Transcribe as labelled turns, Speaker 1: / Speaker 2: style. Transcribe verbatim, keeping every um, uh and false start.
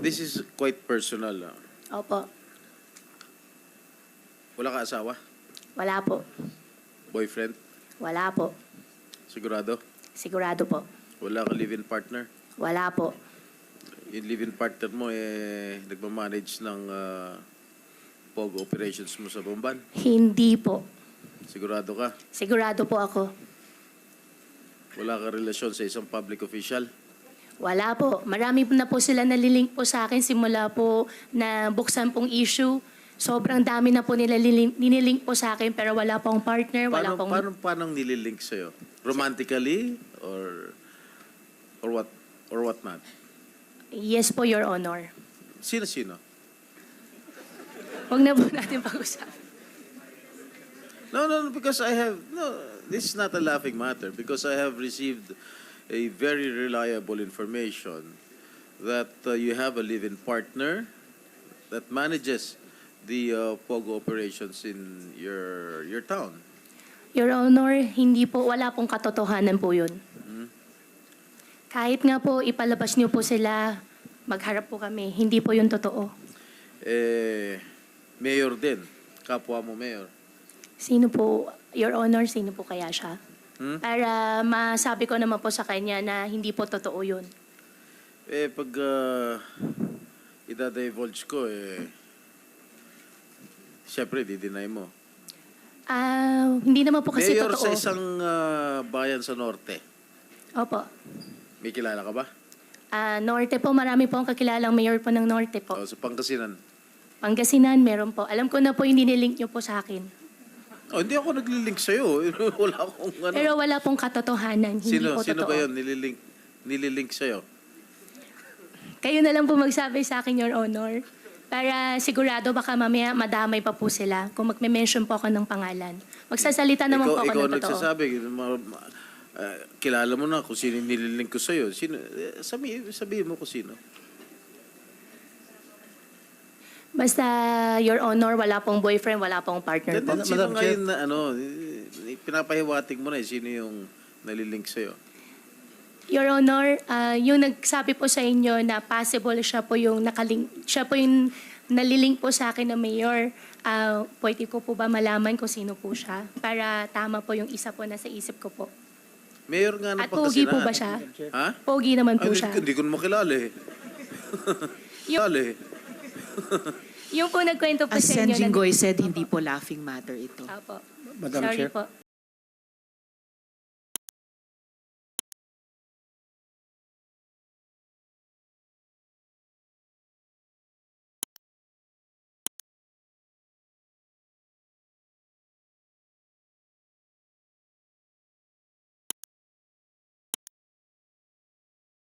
Speaker 1: This is quite personal. ah.
Speaker 2: Opo.
Speaker 1: Wala ka asawa?
Speaker 2: Wala po.
Speaker 1: Boyfriend?
Speaker 2: Wala po.
Speaker 1: Sigurado?
Speaker 2: Sigurado po.
Speaker 1: Wala ka live-in partner?
Speaker 2: Wala po.
Speaker 1: Yung live-in partner mo, eh, nagmamanage ng uh, P O G operations mo sa Bomban?
Speaker 2: Hindi po.
Speaker 1: Sigurado ka?
Speaker 2: Sigurado po ako.
Speaker 1: Wala ka relasyon sa isang public official?
Speaker 2: Wala po. Marami na po sila nalilink po sa akin simula po na buksan pong issue. Sobrang dami na po nila lilink, nililink po sa akin pero wala pong partner, wala
Speaker 1: Paano,
Speaker 2: pong...
Speaker 1: paano, paano nililink sa'yo? Romantically? Or, or what? Or what not?
Speaker 2: Yes po, Your Honor.
Speaker 1: Sino-sino?
Speaker 2: Huwag na po natin pag-usapan.
Speaker 1: No, no, no, because I have, no, this is not a laughing matter because I have received a very reliable information that uh, you have a live-in partner that manages the uh, POGO operations in your your town.
Speaker 2: Your Honor, hindi po, wala pong katotohanan po yun.
Speaker 1: Hmm?
Speaker 2: Kahit nga po ipalabas niyo po sila, magharap po kami. Hindi po yun totoo.
Speaker 1: Eh, mayor din. Kapwa mo mayor.
Speaker 2: Sino po, Your Honor, sino po kaya siya?
Speaker 1: Hmm?
Speaker 2: Para masabi ko naman po sa kanya na hindi po totoo yun.
Speaker 1: Eh, pag uh, ida-divulge ko, eh, siyempre, di-deny mo.
Speaker 2: Ah, hindi naman po kasi
Speaker 1: Mayor
Speaker 2: totoo.
Speaker 1: sa isang uh, bayan sa norte.
Speaker 2: Opo.
Speaker 1: May kilala ka ba?
Speaker 2: Ah, Norte po, marami po ang kakilalang mayor po ng Norte po.
Speaker 1: O, sa Pangasinan.
Speaker 2: Pangasinan, meron po. Alam ko na po yung nililink niyo po sa akin.
Speaker 1: Oh, hindi ako naglilink sa'yo. Wala akong ano.
Speaker 2: Pero wala pong katotohanan. Hindi
Speaker 1: Sino,
Speaker 2: po
Speaker 1: sino
Speaker 2: totoo.
Speaker 1: ba yun nililink, nililink sa'yo?
Speaker 2: Kayo na lang po magsabi sa akin, Your Honor. Para sigurado baka mamaya madamay pa po sila kung magme-mention po ako ng pangalan. Magsasalita naman
Speaker 1: ikaw,
Speaker 2: po ako
Speaker 1: ikaw
Speaker 2: ng totoo.
Speaker 1: nagsasabi, ma- ma- ah, kilala mo na kung sino yung nililink ko sa'yo. Sino, eh, sabi, sabihin mo kung sino.
Speaker 2: Basta, Your Honor, wala pong boyfriend, wala pong partner
Speaker 1: Then,
Speaker 2: po.
Speaker 1: then, sino
Speaker 3: Madam
Speaker 1: ngayon
Speaker 3: Chair.
Speaker 1: na ano, eh, pinapahiwatig mo na eh, sino yung nalilink sa'yo.
Speaker 2: Your Honor, ah, yung nagsabi po sa inyo na possible siya po yung nakalink, siya po yung nalilink po sa akin na mayor, ah, pwede ko po ba malaman kung sino po siya? Para tama po yung isa po na sa isip ko po.
Speaker 1: Mayor nga ng
Speaker 2: At pogi
Speaker 1: Pangasinan.
Speaker 2: po ba siya?
Speaker 1: Ha?
Speaker 2: Pogi naman
Speaker 1: Ay,
Speaker 2: po
Speaker 1: hindi,
Speaker 2: siya.
Speaker 1: hindi ko na makilala eh.
Speaker 2: Yung,
Speaker 1: Kilala eh.
Speaker 2: yung po nagkwento po
Speaker 4: As
Speaker 2: sa
Speaker 4: Sen
Speaker 2: inyo. na-
Speaker 4: Jinggoy said, hindi po laughing matter ito.
Speaker 2: Opo.
Speaker 3: Madam
Speaker 2: Sorry
Speaker 3: Chair.
Speaker 2: po.